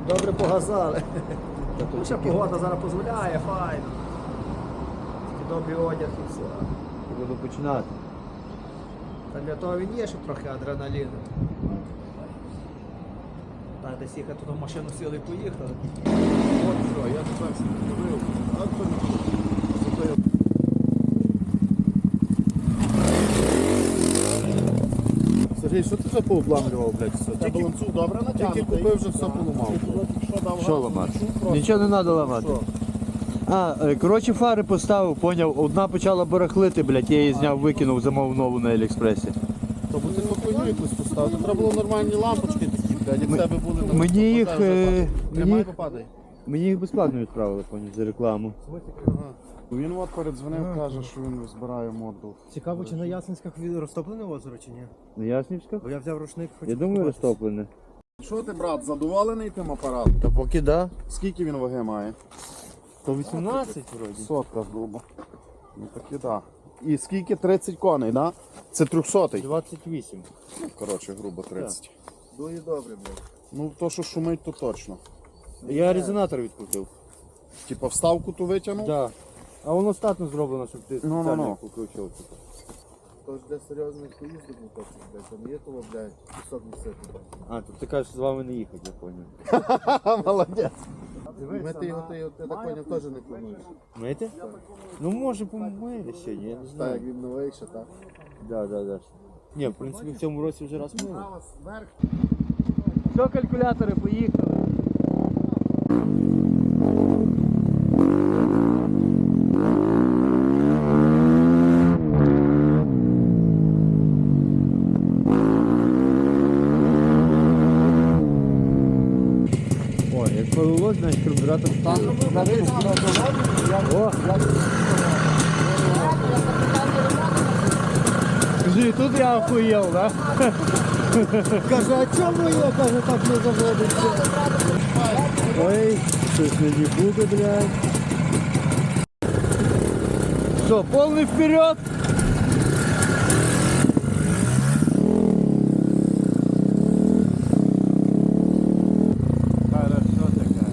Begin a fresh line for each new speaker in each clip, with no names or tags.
Добре погазали. Ще погода зараз дозволяє, файно. Добрий одяг і все.
Буду починати.
Та для того він є, щоб трохи адреналіну. Так, десь їхати в машину сіли і поїхали.
От що, я тепер зробив. Сергій, що ти вже пообламлював, блядь, все? Ти балансу добре натягнутий? Тільки купив, вже все поламав.
Що ламати? Нічого не треба ламати. Коротше, фари поставив, поняв, одна почала барахлити, блядь, я її зняв, викинув, замовив нову на Аліекспресі.
Тобто ти попиню якусь поставити. Треба було нормальні лампочки такі, блядь, як в тебе були на
Мені їх,
Тримай, попадай.
Мені їх безплатно відправили, поняв, за рекламу.
Ага. Він от передзвонив, каже, що він збирає модул.
Цікаво, чи на Ясенськах розтоплене озеро, чи ні?
На Яснівська?
Бо я взяв рушник,
Я думаю, розтоплене.
Що ти, брат, задоволений тим апаратом?
Та поки да.
Скільки він ваги має?
118 вроді.
Сотка грубо. Ну таки да. І скільки? 30 коней, да? Це 300-й?
28.
Ну, коротше, грубо 30.
Дуже добре, блядь.
Ну, то, що шумить, то точно.
Я резонатор відкрутив.
Типа вставку ту витягнув?
Да. А воно статно зроблено, щоб ти
Ну.
спеціально покручував.
Тож для серйозних поїздок не точно, блядь, там є того, блядь, кусок носити.
А, тут ти кажеш, з вами не їхати, я поняв.
Молодець.
Ми ти його, я так поняв, теж не плануєш.
Мити? Ну може помили ще, я не
Так,
знаю.
як він новий ще, так?
Да. Ні, в принципі, в цьому році вже раз мили. Все, калькулятори, поїхали. Ой, як повелось, значить карбюратор там. О! Скажи, тут я охуел, да?
Каже, а чому я, каже, так не заводиться?
Ой, щось не буде, блядь. Что, полный вперед? Хорошо такая.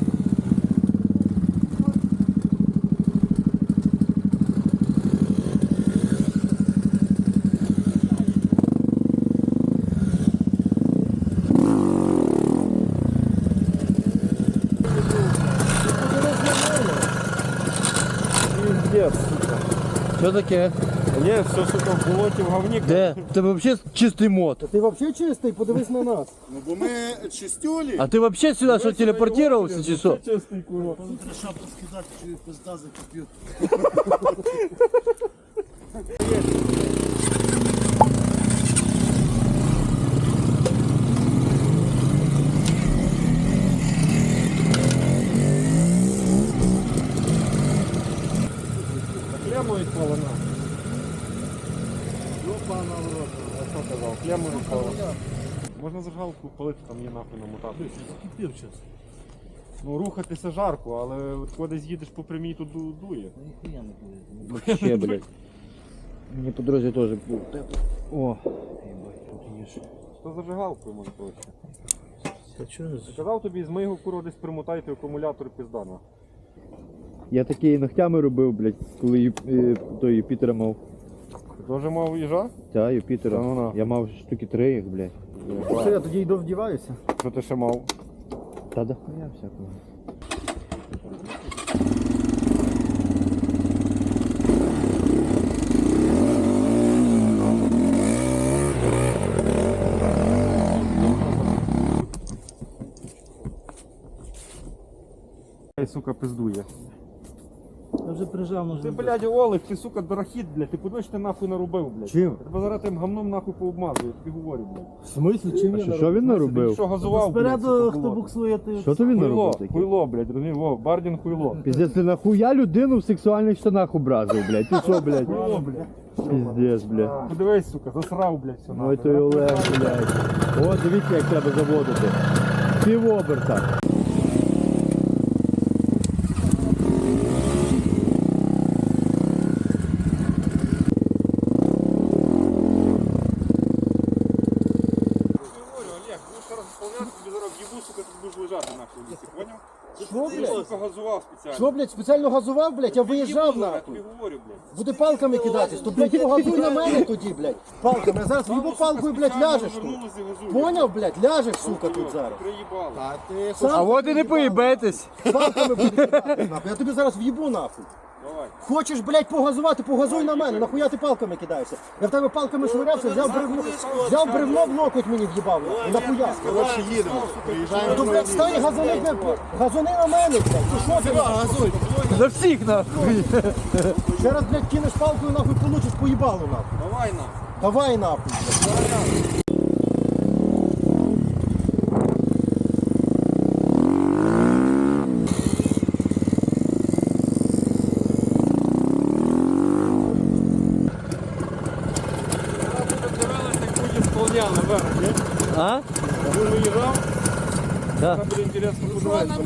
Пиздец, сука.
Что таке?
Ні, все, сука, в болоті, в говні.
Де? Ти вообще чистий мод.
Ти взагалі чистий, подивись на нас.
Ну, бо ми чистюлі.
А ти вообще сюда что, телепортировался, чи що?
Чистий, курва.
Шапку скидати, чи пизда за комп'ютер.
Клему відпала на. Йопана в рот. Я що казав? Клему відпала. Можна зажигалку палити, там є нахуй намотати.
Кипів час.
Ну, рухатися жарко, але от коли десь їдеш по прямій, то дує.
Ніхуя не буде.
Вообще, блядь. Мені по дорозі теж був тепло. О, єбать, тут є ж.
Що зажигалкою може проще?
Та чого?
Я казав тобі, з моєго курва десь примотайте акумулятор піздана.
Я такі ногтями робив, блядь, коли той Юпітера мав.
Ти теж мав їжа?
Та, Юпітера.
Та ну на.
Я мав штуки 3 їх, блядь.
Все, я тоді йду вдіваюся.
Що ти ще мав?
Та да хуя всякого.
Ай, сука, пиздує.
Я вже прижав, може.
Ти, блядь, Олег, ти, сука, дорохід, блядь, ти подивись, ти нахуй наробив, блядь.
Чим?
Я тебе зараз тим гамном нахуй пообмазую, я тобі говорю, блядь.
В смислі, чим я
Що він
Ти
наробив?
що газував, блядь,
Спереду,
сука,
хто
було?
буксує, ти...
Що то він
Хуйло,
наробив таке?
хуйло, блядь, розумієш, во, Бардін хуйло.
Піздець, ти нахуя людину в сексуальних штанах образив, блядь? Ти що, блядь?
Хуйло, блядь.
Піздець, блядь.
Подивись, сука, засрав, блядь, все нахуй.
Ой, той Олег, блядь. О, дивіться, як треба заводити. Півоберта.
Олег, будеш зараз исполняти, тобі зараз в'їбу, сука, ти будеш лежати нахуй.
Що, блядь?
Сука, газував спеціально.
Що, блядь, спеціально газував, блядь? Я виїжджав
Я
нахуй.
тобі говорю, блядь.
Буде палками кидатись, то, блядь, погазуй на мене тоді, блядь. Палками. Я зараз в'їбу палкою, блядь, ляжеш тут.
Вернулися, газують.
Поняв, блядь, ляжеш, сука, тут зараз.
Приїбали.
А от і не поїбетесь.
Палками буде кидатись, нахуй. Я тобі зараз в'їбу, нахуй.
Давай.
Хочеш, блядь, погазувати, погазуй на мене. Нахуя ти палками кидаєшся? Я в тебе палками швирявся, взяв бревно в локоть мені в'їбав. Нахуя?
Коротше, їдемо. Приїжджаємо.
Ну, блядь, стань газони, блядь, газони на мене, блядь. Ти що ти, газуй?
За всіх нахуй.
Зараз, блядь, кинеш палкою, нахуй, получиш поїбалу, нахуй.
Давай на.
Давай, нахуй, блядь.
А?
Він виїжджав,
Да.
там буде інтересно подивитися.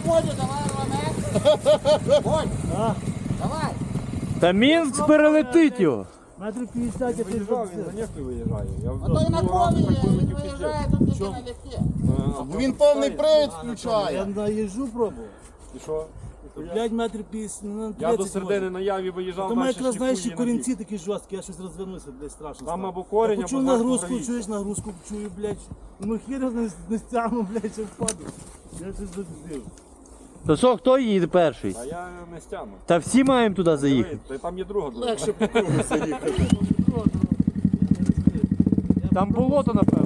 Та Мінськ перелетить його.
Метрів 50 я
Виїжджав, він за нехто виїжджає. Я
То й на кові він виїжджає, тут тільки налегке.
Він повний привід включає.
Я наїжджу пробував.
І що?
5 метрів 50, ну,
Я до
30
середини
може.
на яві виїжджав,
Тому
далі
якраз, знаєш, і
шліфує на бік.
корінці такі жорсткі, я щось розвернуся, блядь, страшно.
Там
стало.
або корінь,
Я почув
або
нагрузку,
гравій.
чуєш нагрузку, чую, блядь. Ну хіра не стягну, блядь, ще впаду. Я щось додив.
То що, хто їде перший?
А я не стягну.
Та всі маємо туди заїхати.
Та там є друга дорога.
Легше по кругу заїхати.
Там болото, напевно.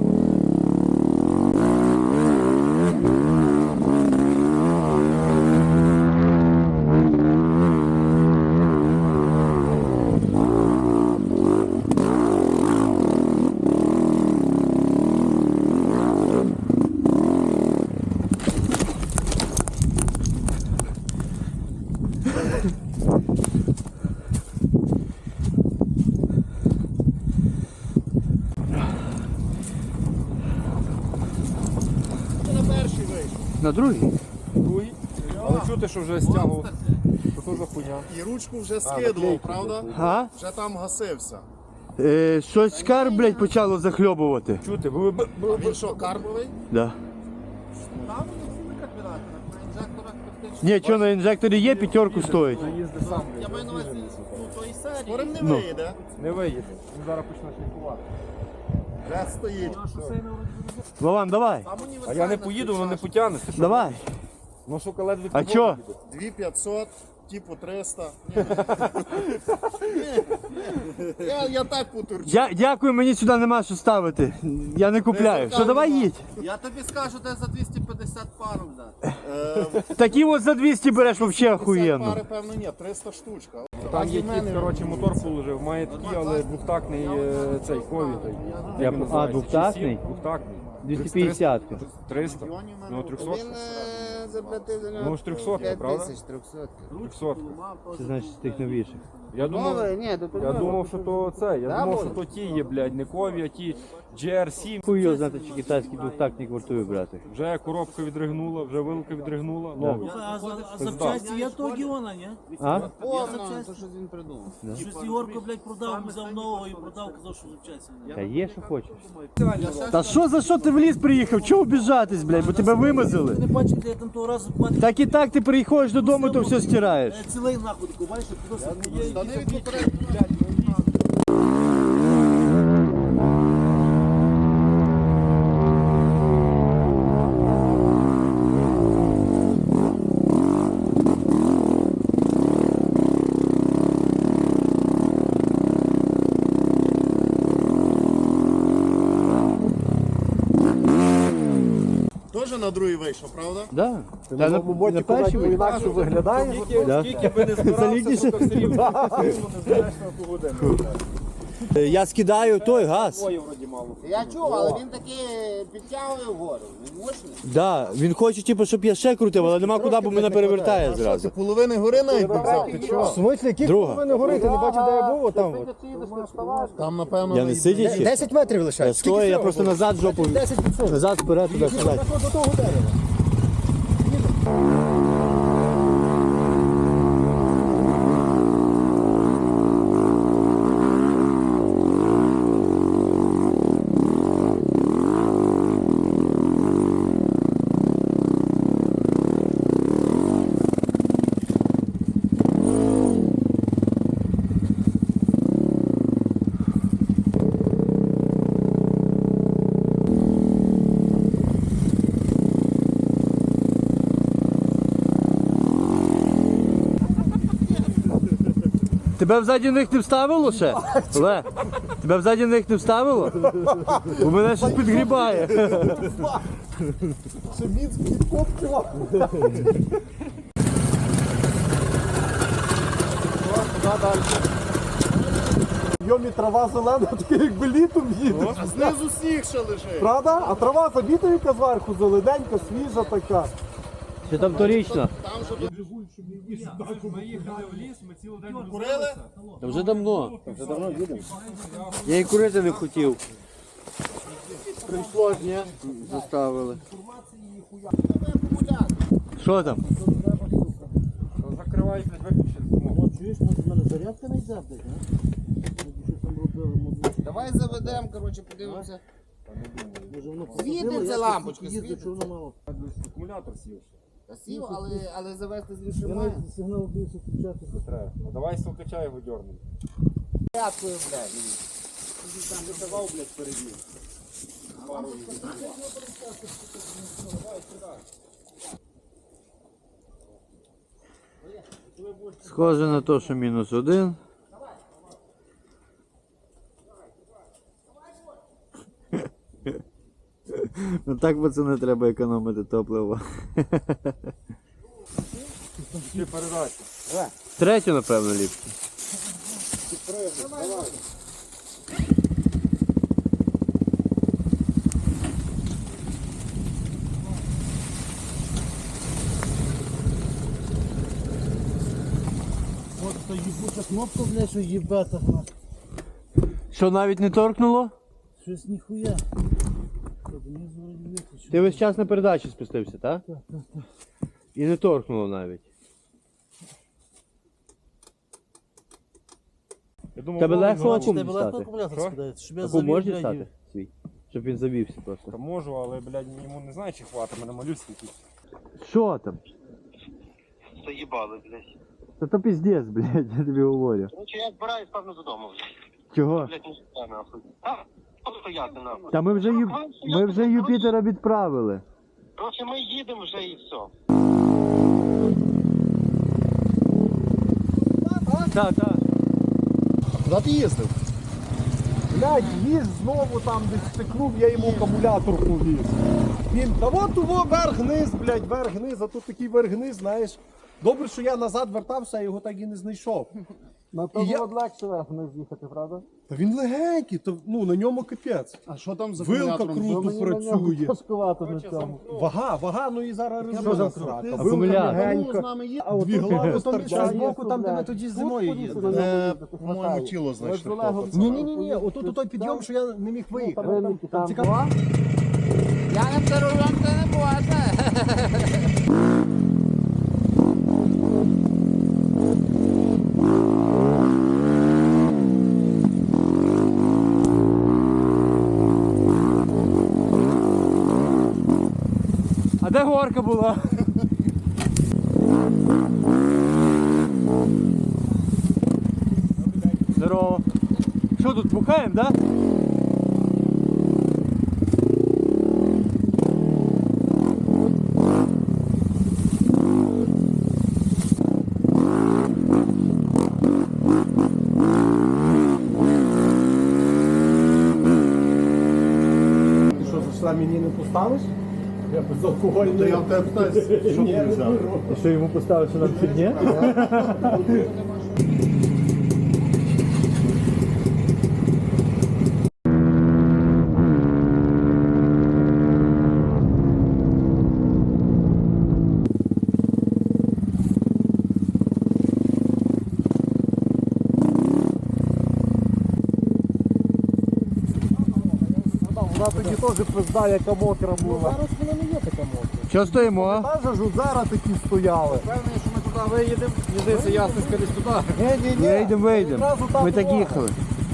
На другий?
Другий. Але чути, що вже стягував. Що то за хуйня?
І ручку вже скидував, правда?
А?
Вже там гасився.
Щось скар, блядь, почало захльобувати.
Чути,
А він що, карбовий?
Да.
Там не як віддати, на інжекторах практично.
Ні, що на інжекторі є, п'ятерку стоїть.
їзди сам.
Я маю на увазі, ну, тої серії.
Скорим не
Ну.
вийде.
Не виїде. Він зараз почне шліфувати.
Вже стоїть.
Вован, давай.
Там
А
універсальна
я не поїду, воно не потягне. Ти що?
Давай.
Ну, сука, ледве
А чо?
2500, типу 300. Я так потурчу.
Дякую, мені сюди нема що ставити. Я не купляю. Що, давай їдь.
Я тобі скажу, де за 250 пару взяти.
Такі от за 200 береш взагалі
50
охуєнно.
пари, певно, ні, 300 штучка.
Там є кіт, коротше, мотор положив. Має такий, але двохтактний цей кові.
Я- а, двохтактний?
Двохтактний.
250.
300. Ну, 300.
Заплатив за
Ну, ж 300, правда?
300.
300.
Це значить з тих новіших.
Я думав,
Ні, до
я думав, що то це. Я думав, що то ті є, блядь, не кові, а ті GR7.
Хуй його знати, чи китайський двохтактник вартує брати.
Вже коробка відригнула, вже вилка відригнула. Новий.
А запчасті є того Гіона, ні?
А?
Повно, то що він придумав.
Щось Ігорко, блядь, продав, взяв нового і продав, казав, що запчасті.
Та є, що хочеш. Та що за що ти в ліс приїхав? Чого обіжатись, блядь, бо тебе вимазали?
Ти не бачив, де я там того разу мати
Так і так ти приходиш додому, то все стираєш.
цілий нахуй, таку, бачиш, куди
Штани від попереднього. Теж на другий вийшов, правда?
Да. Та на перший ви-
Інакше виглядає.
Да.
Скільки би не збирався,
Солідніше.
сука, все рівно не знаєш на ту годину.
Я скидаю той газ.
Ой, вроді мало.
Я чув, але він таки підтягує вгору. Він мощний.
Да, він хоче, типу, щоб я ще крутив, але нема куди, бо мене перевертає
Ти
зразу.
половини гори навіть не взяв, ти чого?
В смислі, які
Друга.
повинні горити? Ти не бачив, де я був? Отам. от.
Там, напевно,
Я не сидячи.
10 метрів лишається. Скільки
Стой, я
всього
просто
було?
назад жопу.
10%.
Назад, вперед, туди, сюди.
До того дерева.
Тебе взаді них не вставило ще? Олег, тебе взаді них не вставило? У мене щось підгрібає.
Ще Мінськ підкоптила. Йомі трава зелена, таке якби літом їде.
А знизу сніг ще лежить.
Правда? А трава забіта яка зверху, зелененька, свіжа така.
Чи там торічно?
Курили?
Та вже давно. Я і курити не хотів. Прийшло ж, ні? Заставили. Що там?
Закривай, виключити.
Чуєш, може в мене зарядка не йде, блядь, що там робили,
Давай заведемо, коротше, подивимося.
може воно
Світиться лампочка,
їздить, що воно мало.
Акумулятор сів.
Сів, але завести з лішими.
Я навіть сигнал бився включати.
Треба. Ну, давай стовкача його дьорнемо.
П'яткою, блядь.
Схоже на те, що -1. Ну так, пацани, треба економити топливо.
Ти передачі.
Третю, напевно, ліпше.
От та їбуча кнопка, блядь, що їбе так.
Що, навіть не торкнуло?
Щось ніхуя. Так, мені звали виключити.
Ти весь час на передачі спустився, так? Так. І не торкнуло навіть.
Я думав,
Тебе легко
знову-
акум
Тебе легко
дістати?
акумулятор
Що?
скидається, щоб я
Таку
завів,
можна
блядь,
дістати свій? Щоб він завівся просто.
Та можу, але, блядь, йому не знаю, чи хватить, мене малюсенький.
Що там?
Заїбали, блядь.
Та то піздець, блядь, я тобі говорю.
Короче, я збираюсь, певно, додому, блядь.
Чого?
Блядь, не сюди, нахуй. А, просто стояти, нахуй.
Та ми вже Юпітера відправили.
Короче, ми їдемо вже і все.
Так, так.
Куди ти їздив?
Блядь, їзд знову там десь стикнув, я йому акумулятор повіз. Він, та от того верх-низ, блядь, верх-низ, а тут такий верх-низ, знаєш. Добре, що я назад вертався, а його так і не знайшов.
На
І я-
тому легше верх не з'їхати, правда?
Та він легенький, то, ну, на ньому капець.
А що там за
Вилка
акумулятором?
круто працює.
Важкувато на цьому.
Вага, ну і зараз
Що
резина
за
срака.
крути?
Вилка
Акумулятор.
легенька, дві глави
Там з боку,
стартять.
там, де ми тоді зимою їздили.
По-моєму, тіло знайшли.
Ні, отут той підйом, що я не міг виїхати.
Ринники там
цікаво.
була?
Я не перервам, це не буває.
А де горка була? Здорово. Що тут, бухаємо, да?
Що, за що мені не поставиш? Я безалкогольний.
Я в тебе питаюся, що ти взяв?
І що йому поставив, що нам фігня?
Вона тоді теж пизда, яка мокра була.
Зараз вона не є така мокра.
Що стоїмо?
Та ж зараз такі стояли.
Впевнений, що ми туди виїдемо. Мені здається, ясно, скоріше туди.
Вийдемо.
Одразу там
Ми так
дорога.
їхали.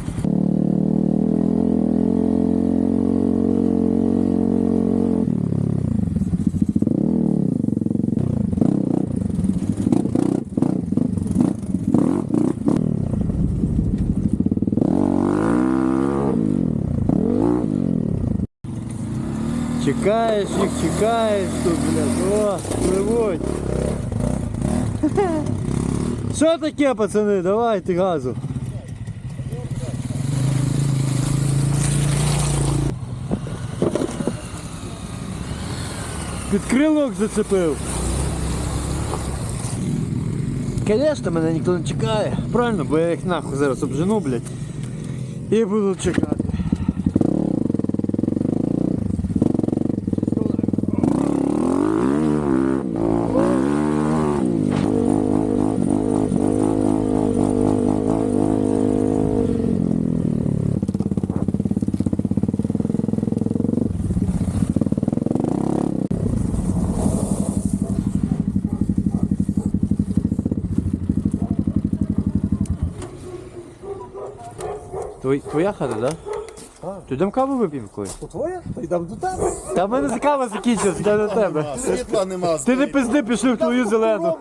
Чекаєш їх, чекаєш тут, блядь. О, пливуть. Що таке, пацани? Давайте газу. Під крилок зацепив. Конечно, мене ніхто не чекає. Правильно, бо я їх нахуй зараз обжену, блядь. І буду чекати. Твоя хата, да? Так. То йдемо каву вип'ємо колись?
То твоє? То йдемо до тебе.
Та в мене кава закінчилась, я до тебе.
Світла нема.
Ти не пизди, пішли в твою зелену.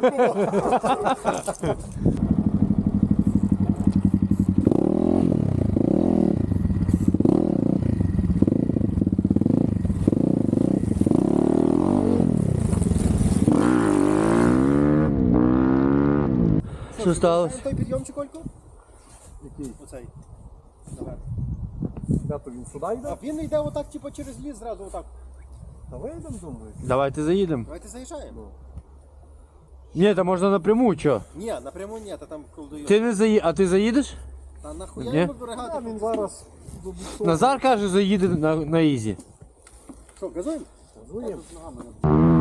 Що сталося?
Той підйомчик, Олько?
Який?
Оцей.
Де то він сюди йде?
А він йде отак, типу, через ліс зразу отак.
Та вийдемо, думаю.
Давайте заїдемо.
Давайте заїжджаємо.
Ні, та можна напряму, чо?
Ні, напряму ні, та там колдує.
Ти не заїдеш, а ти заїдеш?
Та нахуя
Ні?
йому
А
бригати?
він зараз до буксу.
Назар каже, заїде на ізі.
Що, газуємо?
Газуємо.